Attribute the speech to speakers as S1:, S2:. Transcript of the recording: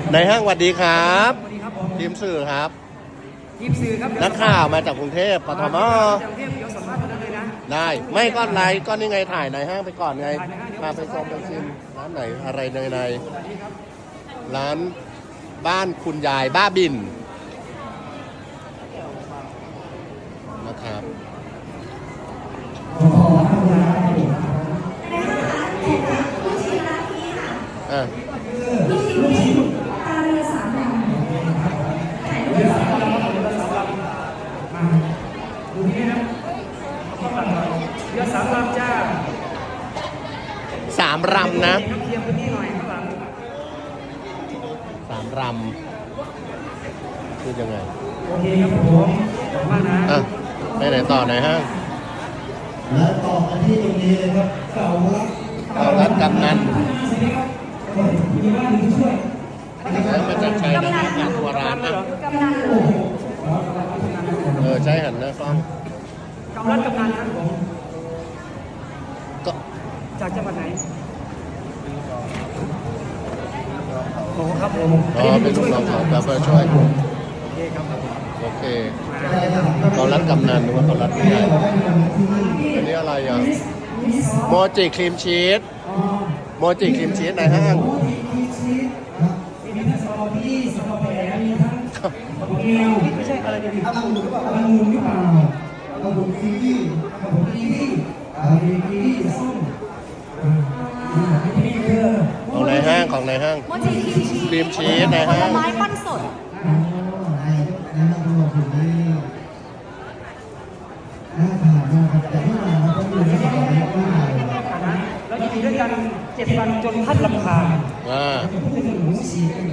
S1: ในห้างสวัสดีครับ
S2: สวัสดีครับผม
S1: ทีมสื่อครับ
S2: ทีมสื่อครับ
S1: นักข่าวมาจากกรุงเทพปทม
S2: จากกรุงเทพเดี๋ยวสัมภาษณ์กันเลยนะ
S1: ได้ไม่ก็ไลฟ์ก็นี่ไงถ่ายในห้างไปก่อนไง
S2: ถ่ายในห้างเดี๋ยว
S1: พาไปชมไปชิมร้านไหนอะไรในร้านบ้านคุณยายบ้าบินนะครับอ่ะ
S2: ดูนี่นะเรือสามลำจ้า
S1: 3 รำนะ
S2: เคลียร์พื้นที่หน่อยข้างหลัง
S1: 3 รำคือยังไง
S2: โอเคครับผมขอบคุณมากนะ
S1: อ่ะไปไหนต่อไหนห้าง
S3: และต่อกันที่ตรงนี้เลยครับเก่ารัก
S1: เอาร้านกำนัน
S2: มีบ้านมีช่วย
S1: แล้วมันจะใช้น้ำมันตัวร้านนะใช้หันหน้ากล้อง
S2: กำลังกำนันครับผม
S1: ก็
S2: จากจังหวัดไหนโอ้ครับผม
S1: อ๋อเป็นลูกน้องเขาแบบช่วย
S2: โอเคครับผม
S1: โอเคเขารัดกำนันหรือว่าเขารัดผู้ใหญ่อันนี้อะไรอ่ะโมจิครีมชีสโมจิครีมชีสในห้าง
S2: มีทั้งสตรอเบอรี่สตรอเบอรี่มีทั้งเกลียวไม่ใช่อะไรดีครับองุ่นหรือเปล่าองุ่นหรือเปล่า
S3: ระบบกีวี
S2: ครับผมกีวีกีวีส้มนี่คือ
S1: ของในห้างของในห้าง
S4: โมจิครีมชีส
S1: ครีมชีสนะฮะ
S4: ผลไม้ปั้นสด
S3: ในระบบอยู่นี่น่าทานมากครับแต่ที่มาเราต้องดูในสตอรี่ว่า
S2: แล้วอยู่ด้วยกัน7 วันจนพัดลำคาญ
S1: อ่า
S3: เป็นหมูสีกัน